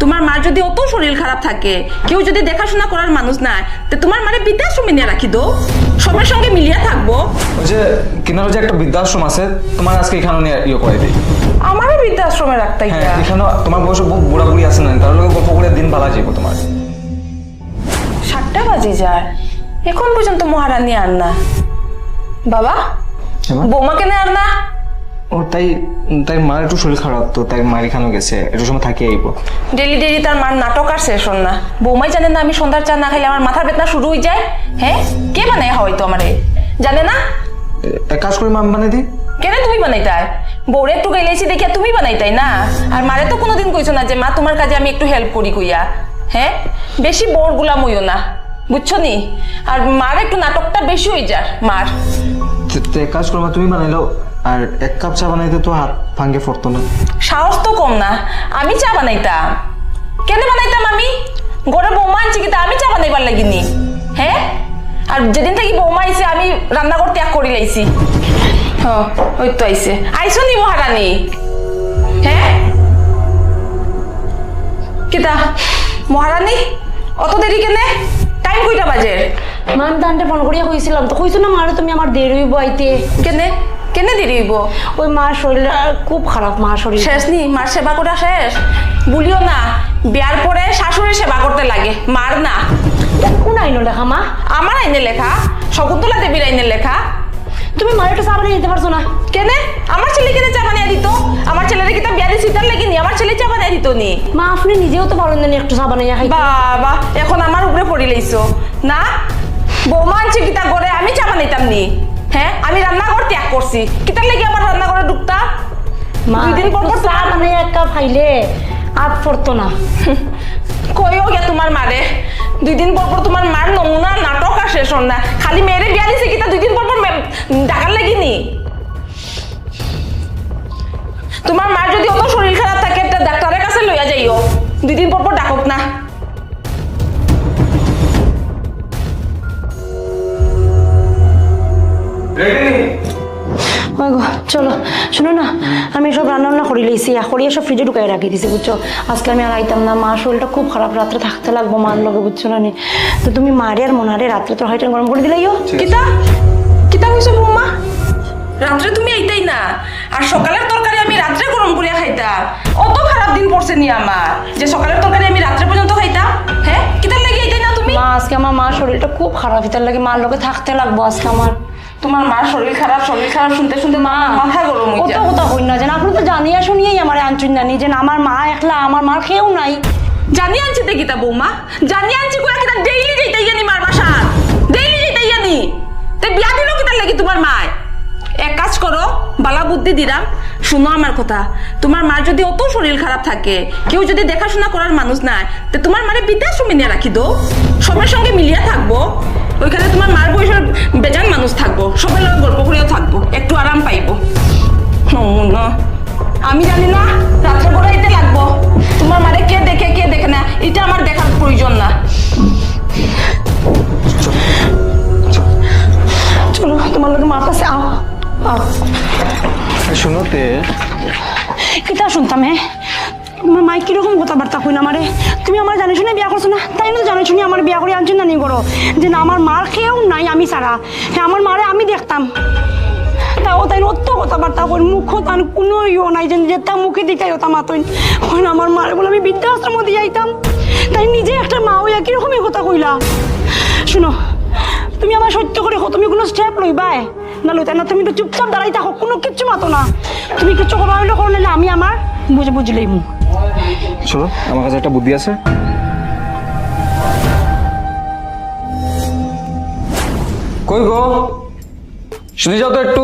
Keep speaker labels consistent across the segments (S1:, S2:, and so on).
S1: তোমার মার যদি অত শরীর খারাপ থাকে, কেউ যদি দেখাশোনা করার মানুষ নাই, তো তোমার মারে বৃদ্ধাশ্রমে নিয়ে রাখি দো, সবার সঙ্গে মিলিয়ে থাকবো।
S2: ওই যে কিনারে যে একটা বৃদ্ধাশ্রম আছে, তোমার আজকে এখানে নিয়ে করে দিই।
S1: আমারও বৃদ্ধাশ্রমে রাখতে
S2: হ্যাঁ, এখানে তোমার বয়সে বহু বুড়া বুড়ি আছে না, তার লোক গল্প করে দিন ভালো যাবো তোমার।
S1: 7টা বাজে যায়, এখন পর্যন্ত মহারানী আর না। বাবা, বৌমা কেন আর না?
S2: ও তাই তাই মার একটু শরীর খারাপ, তো তাই মার এখানেও গেছে, একটু সময় থাকি আইবো।
S1: ডেলি ডেলি তার মার নাটক আর শেষ হল না। বৌমাই জানে না আমি সন্ধ্যার চা না খাইলে আমার মাথার বেদনা শুরু হয়ে যায়। হ্যাঁ, কে বানায় হয়তো আমারে জানে না।
S2: এক কাজ করে মাম বানিয়ে দিই।
S1: কেন তুমি বানাইতাই? বউরে একটু গাইলেছি দেখিয়া তুমি বানাইতাই না। আর মারে তো কোনোদিন কইছো না যে মা তোমার কাজে আমি একটু হেল্প করি কইয়া। হ্যাঁ, বেশি বোর গুলাম হইও না, বুঝছো নি? আর মার একটু নাটকটা বেশি হয়ে যায় মার।
S2: এক কাজ করো, তুমি বানাইলো, আর 1 কাপ চা বানাইতে তো হাত ভাঙ্গে পড়তো না।
S1: সাহস তো কম না, আমি চা বানাইতাম। কেন বানাইতাম আমি? ঘরে বৌমা আনছি কি তা আমি চা বানাইবার লাগিনি? হ্যাঁ, আর যেদিন থেকে বৌমা আইছে আমি রান্নাঘর ত্যাগ করে লাইছি। ওই তো আইছে, আইসো নি মহারানী? হ্যাঁ, কিতা মহারানী অত দেরি কেনে? টাইম কইটা বাজে?
S3: মান দান্ডে ফোন করিয়া কইছিলাম তো, কইছো না মারে তুমি আমার দেরি হইব আইতে।
S1: কেনে কেনে দেরি হইব?
S3: ওই মার শরীর খুব খারাপ, মার শরীর
S1: শেষ নি? মার সেবা করা শেষ? বলিও না, বিয়ার পরে শাশুড়ির সেবা করতে লাগে, মার না।
S3: কোন আইনো লেখা মা?
S1: আমার আইনে লেখা, শকুন্তলা দেবীর আইনে লেখা।
S3: তুমি মারে একটু চা বানিয়ে দিতে পারছো না?
S1: কেনে? আমার ছেলে কেনে চা বানিয়ে দিত? আমার ছেলের কি তা বিয়া দিয়ে সিটার লাগিনি? আমার ছেলে চা বানিয়ে দিত নি?
S3: মা আপনি নিজেও তো পারেন না একটু চা বানাইয়া খাইতে।
S1: বাবা, এখন আমার উপরে পড়ি লাইছো না? বৌমা আনছি কিতা করে আমি চা বানাইতাম নি? হ্যাঁ, আমি রান্নাঘর ত্যাগ করছি, কিতার লাগি আমার রান্নাঘরে ঢুকতা?
S3: মা
S1: 2 দিন পর পর
S3: চা বানাইয়া 1 কাপ খাইলে আত পড়তো না।
S1: কইও গে তোমার মারে, 2 দিন পর পর তোমার মার নমুনা নাটক আর শেষ হল না। খালি মেয়েরে বিয়া দিছে কিতা 2 দিন পর পর ডাকার লাগিনি? তোমার মার যদি অত শরীর খারাপ থাকে একটা ডাক্তারের কাছে লইয়া যাইও, 2 দিন পর পর ডাকক না।
S3: চলো শোনো না, আমি সব রান্না বান্না করে লইছি, করিয়া সব ফ্রিজে ঢুকাই রাখি দিছি, বুঝছো? আজকে আমি আর আইতাম না, মা শরীরটা খুব খারাপ, রাত্রে থাকতে লাগবো মার লগে, বুঝছো না? তো তুমি মারে আর মনারে রাত্রে তো হয়তো গরম করে দিলাইও।
S1: কিতা কিতা কইছো বৌমা? রাত্রে তুমি আইতাই না, আর সকালের তরকারি আমি রাত্রে গরম করিয়া খাইতাম? অত খারাপ দিন পড়ছে নি আমার যে সকালের তরকারি আমি রাত্রে পর্যন্ত খাইতাম? হ্যাঁ, কিতার লাগি আইতাই না তুমি?
S3: মা আজকে আমার মার শরীরটা খুব খারাপ, এটার লাগে মার লগে থাকতে লাগবো আজকে আমার।
S1: তোমার মার শরীর খারাপ শুনতে শুনতে মা মাথা গরম হয়ে যায়।
S3: কত কথা হই না যেন, আপনি তো জানিয়া শুনিয়েই আমার আনছুন জানি যে আমার মা একলা, আমার মার খেয়েও নাই।
S1: জানি আনছি দেখি তা বৌমা, জানি আনছি কয়া কিতা ডেইলি যাইতাই জানি মার বাসা, ডেইলি যাইতাই জানি। তে বিয়া দিল কিতার লাগি তোমার মায়? এক কাজ করো, বালা বুদ্ধি দিলাম, শুনো আমার কথা। তোমার মার যদি অত শরীর খারাপ থাকে, কেউ যদি দেখাশোনা করার মানুষ নাই, তো তোমার মারে বৃদ্ধাশ্রমে নিয়ে রাখি দো, সবার সঙ্গে মিলিয়ে থাকবো। ওইখানে তোমার মার বয়সের বেজান মানুষ থাকবো, সবার লোক গল্প করেও থাকবো, একটু আরাম পাইবো। আমি জানি না রাত্রে পড়াইতে লাগবো, তোমার মারে কে দেখে কে দেখে না এটা আমার দেখার প্রয়োজন না।
S3: চলো তোমার লগে মার কাছে আও।
S2: শুনোতে
S3: কিতা শুনতাম? হ্যাঁ, তোমার মাই কিরকম কথাবার্তা কই না আমারে? তুমি আমার জানি শুনে বিয়া করছো না, তাই না? জানি শুনি আমার বিয়া করে আনছেন না নি করো যে না আমার মার খেয়েও নাই আমি ছাড়া। হ্যাঁ, আমার মারে আমি দেখতাম, তাও তাই অত কথাবার্তা কই, মুখ তান কোনো ইও নাই যে যেটা মুখে দিকাই ওটা মাতইন কই না। আমার মারে বলে আমি বৃদ্ধাশ্রম দিয়ে যাইতাম, তাই নিজে একটা মা হইয়া কিরকমই কথা কইলা। শুনো, তুমি আমার সত্য করে তুমি কোনো স্টেপ লইবাই না লইতা না, তুমি তো চুপচাপ দাঁড়াই থাকো, কোনো কিচ্ছু মাতো না। তুমি কিচ্ছু করা হইলে করে নিলে আমি আমার বুঝলেই মু।
S2: শোনো, আমার কাছে একটা বুদ্ধি আছে। কই গো, শুনে যাও তো একটু।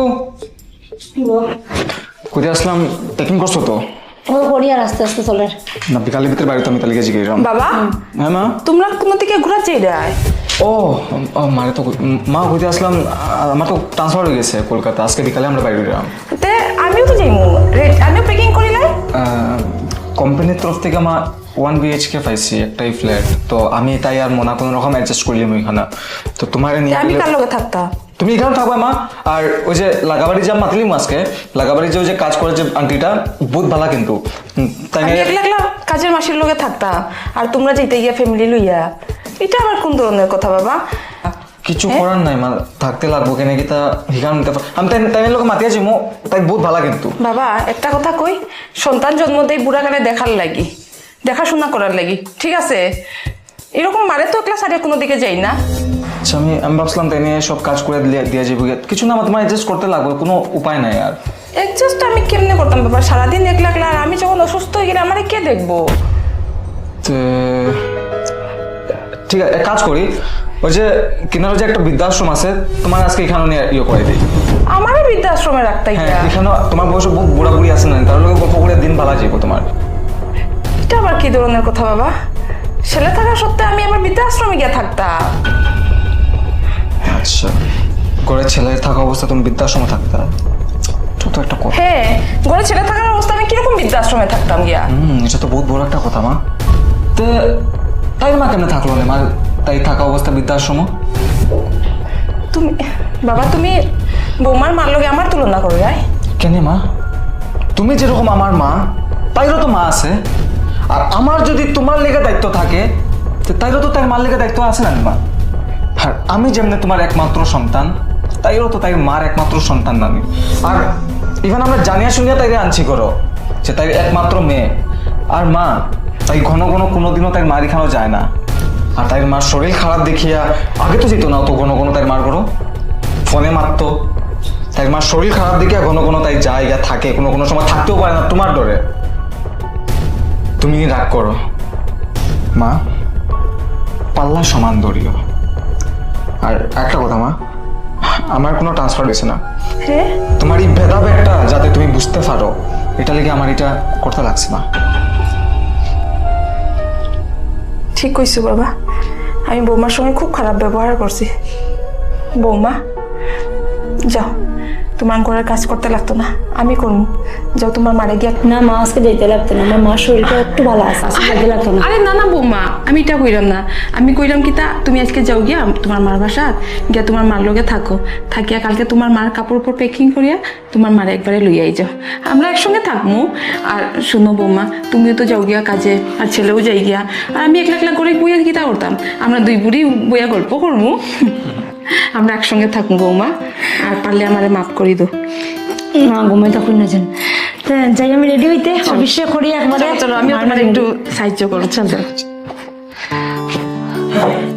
S2: কোথায় আসলাম? প্যাকিং করছো তো?
S3: ও করি আর আস্তে আস্তে চলে
S2: না, বিকালের ভিতরে বাড়িতে আমি তালিকা জিজ্ঞেস।
S1: বাবা,
S2: হ্যাঁ মা,
S1: তোমরা কোনো দিকে ঘোরা চাই?
S2: ও মারে তো মা হইতে আসলাম, আমার তো ট্রান্সফার হয়ে গেছে কলকাতা, আজকে বিকালে আমরা বাইরে গেলাম।
S1: তে আমিও তো যাইমু, আমিও প্যাকিং করি নাই।
S2: কোম্পানির তরফ থেকে আমার 1 BHK পাইছি, একটাই ফ্ল্যাট, তো আমি তাই আর মনা কোনো রকম অ্যাডজাস্ট করলাম ওইখানে। তো তোমার নিয়ে
S1: আমি কার লগে থাকতাম?
S2: তুমি এখানে থাকবা মা। আর ওই যে লাগাবাড়ি যা মাতলি আজকে, লাগাবাড়ি যে ওই যে কাজ করে যে আন্টিটা বহুত ভালো কিন্তু, তাই
S1: আমি একলা একলা কাজের মাসির লগে থাকতাম আর তোমরা যেতে গিয়া ফ্যামিলি লইয়া, এটা আবার কোন ধরনের কথা বাবা?
S2: কিছু করার নাই মা, থাকতে লাগবো কেন কি তা হিকান নিতে আমি তাই লোক মাতি আছি মো, তাই বহুত ভালো কিন্তু।
S1: বাবা একটা কথা কই, সন্তান জন্ম দেয় বুড়া কালে দেখার লাগি, দেখাশোনা করার লাগি, ঠিক আছে? এরকম মারে তো একলা সারিয়া কোনো দিকে যাই না।
S2: আচ্ছা আমি ভাবছিলাম তাই নিয়ে সব কাজ করে দিয়ে যাবো, কিছু না আমার তোমার অ্যাডজাস্ট করতে লাগবে, কোনো উপায় নাই আর।
S1: অ্যাডজাস্ট আমি কেমনে করতাম বাবা, সারাদিন একলা একলা, আর আমি যখন অসুস্থ হয়ে গেলে আমারে কে দেখবো?
S2: ঠিক আছে এক কাজ করি, ওই যে কিনারে যে একটা বৃদ্ধাশ্রম আছে তোমার আজকে এখানে নিয়ে ইয়ে করে দিই।
S1: আমারও বৃদ্ধাশ্রমে রাখতে
S2: হ্যাঁ
S1: গিয়া,
S2: এখানে তোমার বয়সে বহুত বুড়া বুড়ি আছে না, তার লোক গল্প করে দিন ভালো যাবো তোমার।
S1: এটা আবার কি ধরনের কথা বাবা? ছেলে থাকা সত্ত্বেও আমি আবার বৃদ্ধাশ্রমে গিয়ে থাকতাম?
S2: আচ্ছা ঘরে ছেলে থাকা অবস্থা তুমি বৃদ্ধাশ্রমে থাকতা, তো একটা কথা।
S1: হ্যাঁ, ঘরে ছেলে থাকার অবস্থা আমি কিরকম বৃদ্ধাশ্রমে থাকতাম গিয়া?
S2: এটা তো বহুত বড় একটা কথা মা। তো তাই মা কেমনে থাকলো না মা, তাই থাকা অবস্থা বৃদ্ধাশ্রম?
S1: তুমি বাবা, তুমি বৌমার মার লগে আমার তুলনা করো রাই?
S2: কেন মা, তুমি যেরকম আমার মা তাইরও তো মা আছে, আর আমার যদি তোমার লেগে দায়িত্ব থাকে তাইরও তো তাই মার লেগে দায়িত্ব আছে না মা। আর আমি যেমনি তোমার একমাত্র সন্তান, তাইরও তো তাই মার একমাত্র সন্তান আমি। আর ইভেন আমরা জানিয়া শুনিয়া তাইরে আনছি করো যে তাই একমাত্র মেয়ে। আর মা তাই ঘন ঘন কোনোদিনও তাই মারি খানো যায় না। আর তাই মার শরীর খারাপ দেখিয়া আগে তো যেত না তো ঘন ঘন তাই মার করো, ফোনে মারতো। তাই মার শরীর খারাপ দেখিয়া ঘন ঘন তাই যায় গা থাকে, কোনো কোনো সময় থাকতেও পারে না তোমার ডরে। তুমি রাগ করো মা, পাল্লা সমান দড়িও। আর একটা কথা মা, আমার কোনো ট্রান্সফার হয়েছে না,
S1: হ্যাঁ,
S2: তোমার এই ভেদাভেদটা যাতে তুমি বুঝতে পারো এটা লেগে আমার এটা করতে লাগছে মা।
S1: ঠিক কইছো বাবা, আমি বৌমার সঙ্গে খুব খারাপ ব্যবহার করছি। বৌমা যাও, তোমার ঘরের কাজ করতে লাগতো না, আমি করবো। যাও তোমার মারে গিয়া।
S3: না মা, আজকে যেতে লাগতো না, আমার মার শরীরটা একটু ভালো আছে, আজকে যেতে লাগতো না।
S1: আরে না না বৌমা, আমি এটা কইলাম না, আমি কইলাম কি তা তুমি আজকে যাও গিয়া তোমার মার বাসা গিয়া তোমার মার লগে থাকো, থাকিয়া কালকে তোমার মার কাপড় উপর প্যাকিং করিয়া তোমার মারে একবারে লইয়াই যাও, আমরা একসঙ্গে থাকবো। আর শুনো বৌমা, তুমিও তো যাও গিয়া কাজে, আর ছেলেও যাই গিয়া, আর আমি একলা একলা করে বইয়া গীতা করতাম, আমরা দুই বুড়ি বইয়া গল্প করবো, আমরা একসঙ্গে থাকবো বৌমা। আর পারলে আমারে মাফ করি দো।
S3: না ঘুমাই তখন না যান, যাই আমি রেডি হইতে, অফিসে করি একবারে।
S1: চলো আমি তোমার একটু সাহায্য করো, চলো।